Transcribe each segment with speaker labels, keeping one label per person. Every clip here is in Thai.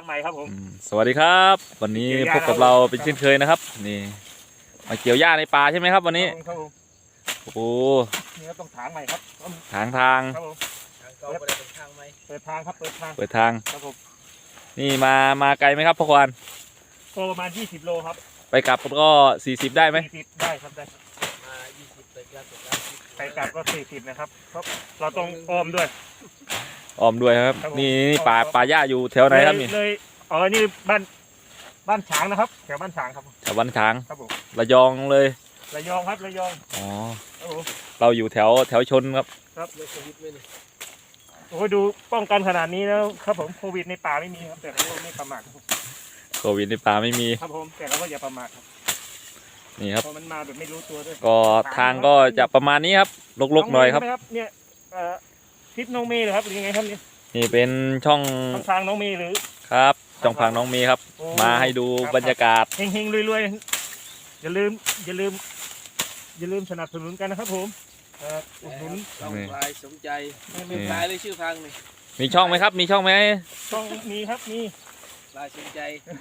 Speaker 1: างใหม่ครับผม
Speaker 2: สวัสดีครับวันนี้พบกับเราเป็นเช่นเคยนะครับนี่มาเกี่ยวหญ้าในป่าใช่ไหมครับวันนี้
Speaker 1: ครับผม
Speaker 2: โอ้โห
Speaker 1: นี่ครับต้องถางใหม่ครับ
Speaker 2: ทาง
Speaker 1: ครับผมเปิดทางไหมเปิดทางครับเปิดทางครับผม
Speaker 2: นี่มาไกลไหมครับพ่อควาน
Speaker 1: ก็ประมาณ20 โลครับ
Speaker 2: ไปกลับก็40ได้ไหม
Speaker 1: 40ได้ครับได้มา20ไปกลับก็40นะครับเพราะเราต้องอ้อมด้วย
Speaker 2: ครับนี่ป่าหญ้าอยู่แถวไหนครับนี่
Speaker 1: เลยนี่บ้านฉางนะครับแถวบ้านฉางครับ
Speaker 2: แถวบ้านฉาง
Speaker 1: ครับผม
Speaker 2: ระยองเลย
Speaker 1: ระยองครับระยอง
Speaker 2: อ๋อเราอยู่แถวชนครับ
Speaker 1: เลยโควิดไม่เลยโอ้ดูป้องกันขนาดนี้แล้วครับผมโควิดในป่าไม่มีครับแต่เราไม่ประมาท
Speaker 2: โควิดในป่าไม่มี
Speaker 1: ครับผมแต่เราก็อย่าประมาทครับ
Speaker 2: นี่ครับ
Speaker 1: พอมันมาแบบไม่รู้ตัวด้วย
Speaker 2: ก็ทางก็จะประมาณนี้ครับลกๆหน่อยครับ
Speaker 1: เนี่ยคลิปน้องเมย์เหรอครับหรือยังไงครับ
Speaker 2: นี่เป็นช่อง
Speaker 1: ทางน้องเมย์หรือ
Speaker 2: ครับช่องพังน้องเมย์ครับมาให้ดูบรรยากาศ
Speaker 1: เฮงๆรวยๆอย่าลืมสนับสนุนกันนะครับผมอุดหนุน
Speaker 3: ช่องพลายสมใจไม่พลายเลยชื่อพังนี่
Speaker 2: มีช่องไหมครับมีช่องไหม
Speaker 1: ช่องมีครับมี
Speaker 3: พลายสมใจ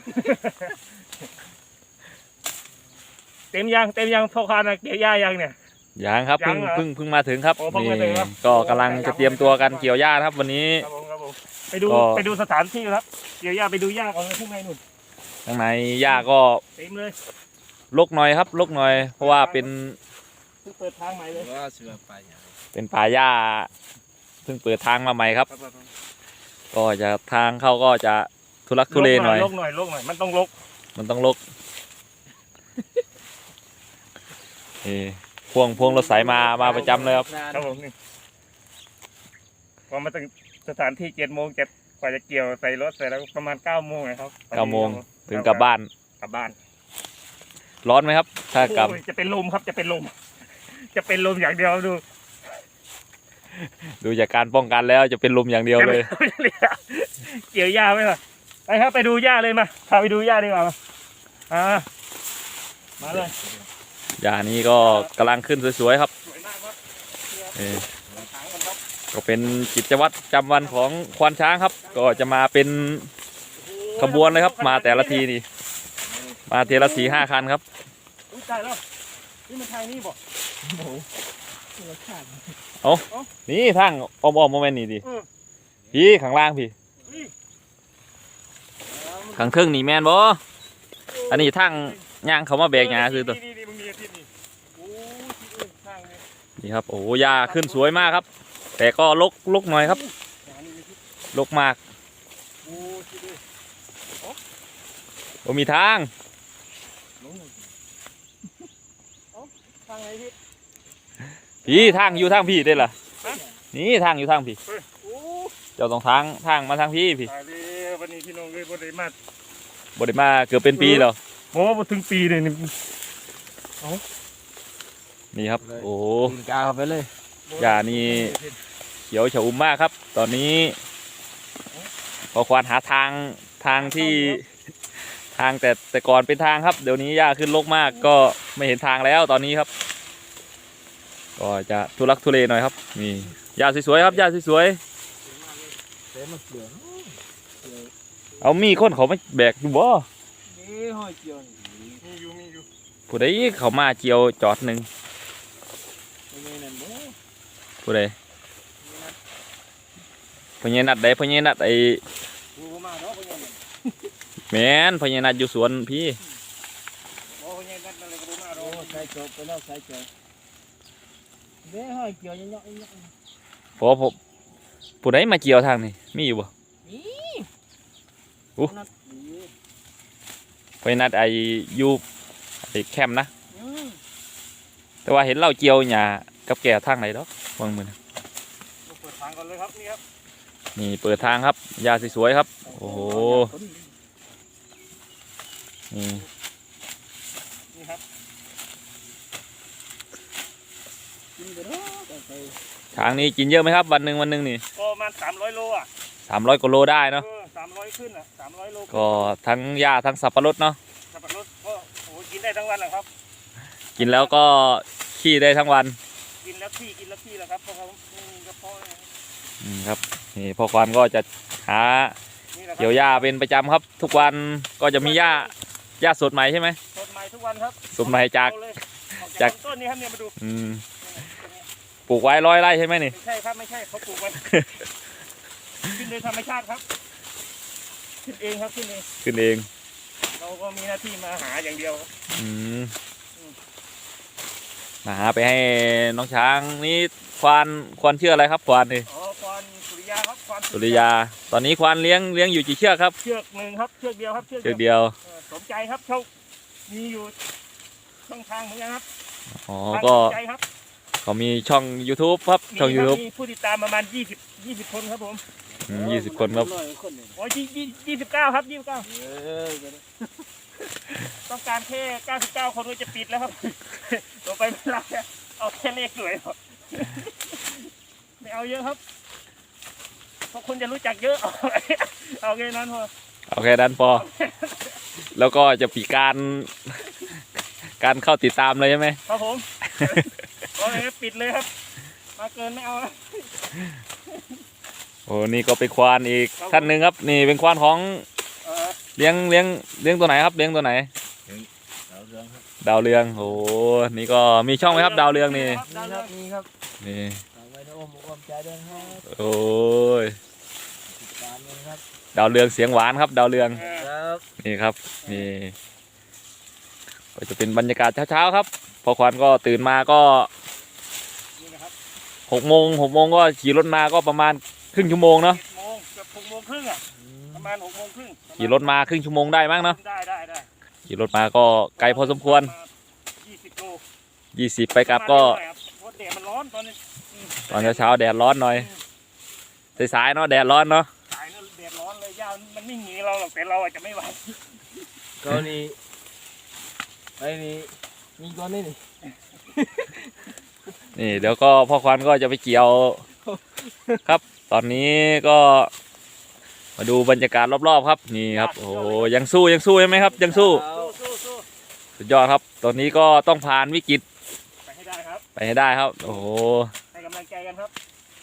Speaker 1: เต็มยังพ่อค้าเกี่ยวหญ้ายังเนี่ย
Speaker 2: ยังครับเพิ่งมาถึงครับนี่ก็กำลังจะเตรียมตัวกันเกี่ยวหญ้าครับวันนี้
Speaker 1: ไปดูสถานที่ครับเกี่ยวหญ้าไปดูหญ้าก่อนข้างในนู่น
Speaker 2: ข้างในหญ้าก็
Speaker 1: เต็มเลย
Speaker 2: รกหน่อยครับรกหน่อยเพราะว่าเป็น
Speaker 1: เปิดทางใหม่เลย
Speaker 2: เป็นป่าหญ้าเพิ่งเปิดทางมาใหม่ครับก็จะทางเข้าก็จะทุลักทุเลหน่อย
Speaker 1: ลกหน่อยมันต้องลก
Speaker 2: พวงรถสายมาประจำเลยครับ
Speaker 1: ครับผมนี่พอมาถึงสถานที่7 โมงกว่าจะเกี่ยวใส่รถเสร็จแล้วประมาณ9 โมงนะครับ
Speaker 2: 9 โมงถึงกลับบ้านร้อนไหมครับถ้ากลับ
Speaker 1: จะเป็นลมครับจะเป็นลมอย่างเดียว
Speaker 2: ดูจากการป้องกันแล้วจะเป็นลมอย่างเดียวเลย
Speaker 1: เกี่ยวหญ้าไหมล่ะไปครับไปดูหญ้าเลยมาพาไปดูหญ้าดีกว่ามาเลย
Speaker 2: หญ้านี้ก็กำลังขึ้นสวยๆครับ
Speaker 1: สวยมากครับ
Speaker 2: ก็เป็นกิจวัตรประจำวันของควานช้างครับก็จะมาเป็นขบวนเลยครับมาแต่ละทีนี่มาเทละ4-5 คันครับ
Speaker 1: ใช่แล้วนี่มันทางนี้บอก
Speaker 2: นี่ทางอ้อมโมเมนต์นี่ดิพี่ข้างล่างพี่ข้างเทิงนี่แมนบ่อันนี้ทางย่างเขามาแบกหญ้าคือตัวนี่ครับโอ้หญ้าขึ้นสวยมากครับแต่ก็ลกหน่อยครับลกมากโอ้มีทางพี่ทางอยู่ทางพี่ได้ล่ะนี่ทางอยู่ทางพี่เจ้าต้องทางมาทางพี่
Speaker 1: วันนี้พี่น้องเลยบริ
Speaker 2: มาเกือบเป็นปีแล้ว
Speaker 1: โอ้ถึงปีเลย
Speaker 2: นี่ครับโอ้
Speaker 3: กาไปเลย
Speaker 2: หญ้านี่เขียวฉอุ่มมากครับตอนนี้พอควานหาทางที่ทางแต่ก่อนเป็นทางครับเดี๋ยวนี้หญ้าขึ้นรกมากก็ไม่เห็นทางแล้วตอนนี้ครับก็จะทุลักทุเลหน่อยครับนี่หญ้าสวยๆครับหญ้าสวยๆเอามีคนเขาไม่แบกดูบ่ผู้ใดเขามาเกี่ยวจอดหนึ่งผู้ใดพญานัดได้พญานัดไอแมนพญานัดอยู่สวนพี่พอผู้ใดมาเกี่ยวทางนี่มีอยู่บ่พญานัดไออยู่ไอแคมป์นะแต่ว่าเห็นเราเกี่ยวหญ้ากับแก่ทางไหนดอกวางมือ
Speaker 1: เปิดทางก่อนเลยครับนี่ครับ
Speaker 2: นี่เปิดทางครับหญ้าสวยๆครับโอ้โห
Speaker 1: นี่ครับ
Speaker 2: ช้างนี้กินเยอะไหมครับวันหนึ่งนี่
Speaker 1: ก็ประมาณ300 โลอ่ะ
Speaker 2: 300 กว่าโลได้เนาะ
Speaker 1: 300ขึ้นอ่ะ300 โล
Speaker 2: ก็ทั้งหญ้าทั้งสับปะรดเนาะ
Speaker 1: สับปะรดก็โอ้กินได้ทั้งวันแหละครับ
Speaker 2: กินแล้วก็ขี้ได้ทั้งวัน
Speaker 1: กินแล้วขี้แล้วครับเพราะเขากระเพาะ
Speaker 2: ครับนี่พ่อควานก็จะหา
Speaker 1: นี่แหละครับ
Speaker 2: เกี่ยวหญ้าเป็นประจำครับ ทุกวันก็จะมีหญ้าสดใหม่ใช่ไหม
Speaker 1: สดใหม่ทุกวันครับ
Speaker 2: สดใหม่จาก
Speaker 1: เอเลยออก
Speaker 2: จาก
Speaker 1: ต้นนี้ครับเนี่ยมาดู
Speaker 2: ปลูกไว้100 ไร่ใช่ไหมนี่
Speaker 1: ไม่ใช่ครับไม่ใช่เขาปลูกไว้ ขึ้นโดยธรรมชาติครับขึ้นเองครับขึ้นเอง
Speaker 2: ขึ้นเอง
Speaker 1: เราก็มีหน้าที่มาหาอย่างเดียวครับ
Speaker 2: อืมมาหาไปให้น้องช้างนี่ควานเชื่ออะไรครับควานนี่
Speaker 1: อ๋อควานสุริยาครับควาน
Speaker 2: สุริยา ตอนนี้ควานเลี้ยงอยู่กี่เชือกครับ
Speaker 1: เชือกหนึ่งครับเชือกเดียวครับ
Speaker 2: เชือกเดียว
Speaker 1: สมใจครับเขามีอยู่ช่องทางเหมือนกันครับ
Speaker 2: อ๋อ
Speaker 1: ทาง
Speaker 2: ก็
Speaker 1: สมใจครับ
Speaker 2: เขามีช่อง YouTube ครับช่อง YouTube
Speaker 1: มีผู้ติดตามประมาณ20คนครับผม
Speaker 2: 20 คนครับ
Speaker 1: โอ้ย29ครับ29
Speaker 3: เออ
Speaker 1: ต้องการแค่99คนก็จะปิดแล้วครับ ต่อไปไม่รับแล้วเอาแค่เลขสวยพอไม่เอาเยอะครับเพราะคุณจะรู้จักเยอะ เอาแค่นั้นพอ
Speaker 2: โอเคดันพอ แล้วก็จะปีการเข้าติดตามเลยใช่ไหม
Speaker 1: ครับผมเอาเลยครับปิดเลยครับ มาเกินไม่เอานะ
Speaker 2: โอ้นี่ก็เป็นควานอีกท่านหนึ่งครับ นี่เป็นควานของ
Speaker 1: เออ
Speaker 2: เลี้ยงตัวไหนครับเลี้ยงตัวไหน ดาวเรืองโอ้นี่ก็มีช่องไหมครับดาวเรืองนี่
Speaker 1: ดาวเรือง
Speaker 3: มีครับ
Speaker 2: นี่
Speaker 3: ฝากไว้ในอ้อมอกอ้อมใจด้วยนะครับ
Speaker 2: โอ้ย
Speaker 3: ติดตามเลยครับ
Speaker 2: ดาวเรืองเสียงหวานครับดาวเรือง
Speaker 1: เออ
Speaker 3: ครับ
Speaker 2: นี่ครับนี่ก็จะเป็นบรรยากาศเช้าๆครับ พอควันก็ตื่นมาก็
Speaker 1: นี่นะครับ
Speaker 2: 6 โมงก็ขี่รถมาก็ประมาณครึ่งชั่วโมงเนาะ
Speaker 1: 7 โมงเกือบ6 โมงครึ่งอ่ะประมาณ6 โมงครึ่ง
Speaker 2: ขี่รถมาครึ่งชั่วโมงได้มั้งเนาะ
Speaker 1: ได้
Speaker 2: ขี่รถมาก็ไกลพอสมควร
Speaker 1: 20 โล
Speaker 2: 20 ไปกลับก็
Speaker 1: เพราะแดดมันร้อนตอนนี้
Speaker 2: ตอนเช้าๆแดดร้อนหน่อยสายๆเนาะแดดร้อนเนาะ
Speaker 1: สายนั่นแดดร้อนเลยย่ามันไม่หนีเราหรอกแต่เราอาจจะไม่ไหว
Speaker 3: ก็นี่ไอ้นี่มีก้อนนี่นี่
Speaker 2: นี่เดี๋ยวก็พ่อควันก็จะไปเกี่ยวครับ ตอนนี้ก็มาดูบรรยากาศรอบๆครับนี่ครับโอ้โหยังสู้ใช่ไหมครับยังสู้
Speaker 1: สู้
Speaker 2: สุดยอดครับ ตอนนี้ก็ต้องผ่านวิกฤต
Speaker 1: ไปให้ได้ครับ
Speaker 2: ไปให้ได้ครับ โอ้โห
Speaker 1: ให้กำลังใจกันครับ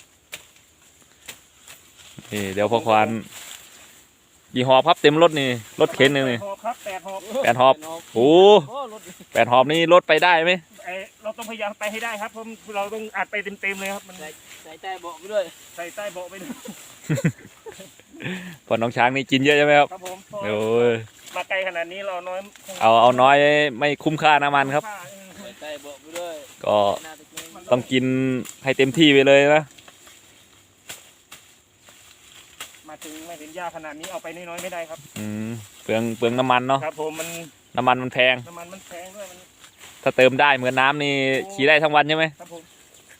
Speaker 2: นี่เดี๋ยวพ่อควันกี่หอบครับเต็มรถนี่รถเข็นหนึ่งนี่
Speaker 1: 8 หอบครับ8 หอบ
Speaker 2: 8 หอบ โอ้
Speaker 3: โอ้รถ
Speaker 2: 8 หอบนี่รถไปได้ไหม
Speaker 1: เราต้องพยายามไปให้ได้ครับเพราะเราต้องอัดไปเต็มๆเลยครับมัน
Speaker 3: ใส่ใต้เบาะไปด้วย
Speaker 1: ใส่ใต้เบาะไปด้วย
Speaker 2: พอน้องช้างนี่กินเยอะใช่ไหมครับ
Speaker 1: ครับผมเพราะ
Speaker 2: โอ้ย
Speaker 1: มาไกลขนาดนี้เราน้อย
Speaker 2: เอาน้อยไม่คุ้มค่าน้ำมันครับ
Speaker 3: ใส่ใต้เบาะไปด้วย
Speaker 2: ก็
Speaker 3: หน้าตะเกียง
Speaker 2: ต้องกินให้เต็มที่ไปเลยนะ
Speaker 1: มาถึงไม่ถึงยากขนาดนี้เอาไปน้อยๆไม่ได้ครับ
Speaker 2: เปลืองน้ำมันเนาะ
Speaker 1: ครับผมมัน
Speaker 2: น้ำมันแพง
Speaker 1: น้ำมันแพงด้วยมัน
Speaker 2: ถ้าเติมได้เหมือนน้ำนี่ขี่ได้ทั้งวันใช่ไหม
Speaker 1: ครับผม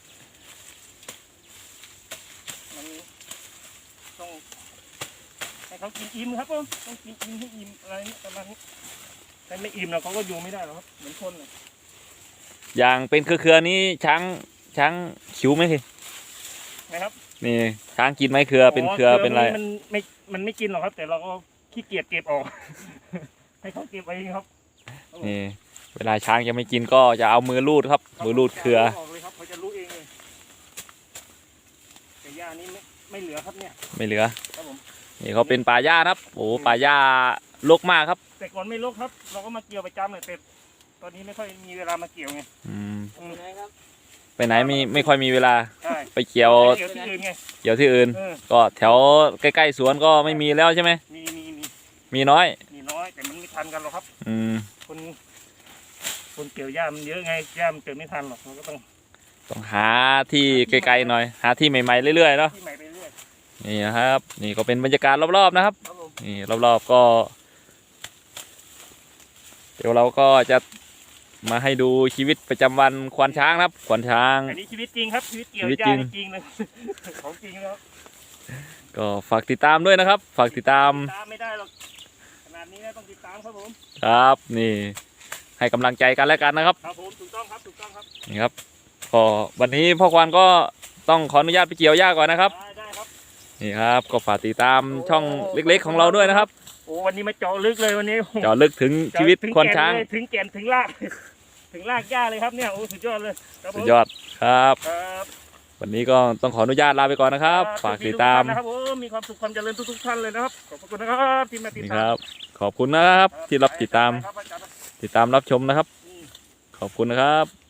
Speaker 1: มันต้องให้เขากินอิ่มครับผมต้องกินอิ่มให้อิ่มอะไรนี่ประมาณนี้ถ้าไม่อิ่มเราเขาก็อยู่ไม่ได้หรอกครับเหมือนคนเลย
Speaker 2: อย่างเป็นเครือๆนี้ช้างขิวไหมพี่
Speaker 1: นะครับ
Speaker 2: นี่ช้างกินไหมเครือเป็นเครือเป็นอะไร
Speaker 1: มันไม่กินหรอกครับ แต่เราก็ขี้เกียจเก็บออก ให้เขาเก็บเองครับ
Speaker 2: นี่เวลาช้างจะไม่กินก็จะเอามือลูดครับ มือลูดเครือ
Speaker 1: ออกเลยครับเขาจะรู้เองเลยแต่ยานี้ไม่เหลือครับเนี่ย
Speaker 2: ไม่เหลือ
Speaker 1: ครับผม
Speaker 2: นี่เขาเป็นป่าหญ้าครับโอ้ป่าหญ้ารกมากครับ
Speaker 1: แต่ก่อนไม่ลกครับ เราก็มาเกี่ยวประจำเลยแต่ตอนนี้ไม่ค่อยมีเวลามาเกี่ยวไง
Speaker 3: ไปไหนครับ
Speaker 2: ไปไหนไม่ค่อยมีเวลา
Speaker 1: ใช่
Speaker 2: ไปเกี่ยว
Speaker 1: เกี่ยวที่อื่นไง
Speaker 2: เกี่ยวที่อื่น
Speaker 1: เออ
Speaker 2: ก็แถวใกล้ๆสวนก็ไม่มีแล้วใช่ไหม
Speaker 1: มี
Speaker 2: น้อย
Speaker 1: น้อยแต่มันไม่ทันกันหรอกครับ
Speaker 2: อืม
Speaker 1: คนเกี่ยวหญ้ามันเยอะไงหญ้ามันเกิดไม่ทันหรอกเราก็ต้อง
Speaker 2: ต้องหาที่ไกลๆหน่อย หาที่ใหม่ๆเรื่อยๆเนาะ
Speaker 1: ที่ใหม่ไปเรื่อย
Speaker 2: นี่นะครับ นี่ก็เป็นบรรยากาศรอบๆนะครับ
Speaker 3: ครับผม
Speaker 2: นี่รอบๆก็ เดี๋ยวเราก็จะมาให้ดูชีวิตประจำวันควานช้างนะครับควานช้าง
Speaker 1: อันนี้ชีวิตจริงครับชีวิตเกี่ยว
Speaker 2: ชีวิต
Speaker 1: หญ้า
Speaker 2: จริง
Speaker 1: จริงเลย ของจริงแล้ว
Speaker 2: ก็ฝากติดตามด้วยนะครับ ฝากติดตาม
Speaker 1: ตามไม่ได้หรอกขนาดนี้นะต้องติดตามครับผม
Speaker 2: ครับ นี่ ให้กำลังใจกันแล้วกันนะครับ
Speaker 1: ครับผมถูกต้องครับถูกต้องครับ
Speaker 2: นี่ครับก็วันนี้พ่อควานก็ต้องขออนุญาตไปเกี่ยวหญ้าก่อนนะครับ
Speaker 1: ได้ครับ
Speaker 2: นี่ครับก็ฝากติดตามช่องเล็กๆของเราด้วยนะครับ
Speaker 1: โอ้วันนี้มาเจาะลึกเลยวันนี้
Speaker 2: เจาะลึกถึงชีวิตควานช้าง
Speaker 1: ถึงแก่นถึงราก ถึงรากหญ้าเลยครับเนี่ยโอ้สุดยอดเลยครับผม
Speaker 2: สุดยอดครับ
Speaker 1: ครับ
Speaker 2: วันนี้ก็ต้องขออนุญาตลาไปก่อนนะครับฝากติดตาม
Speaker 1: นะครับผมมีความสุขความเจริญทุกๆท่านเลยนะครับขอบคุณนะครับที่มาติด
Speaker 2: นี่
Speaker 1: ตาม
Speaker 2: ครับ ขอบคุณนะครับที่รับติดตาม
Speaker 1: ครับอาจารย์
Speaker 2: รับชมนะครับ ขอบคุณนะครับ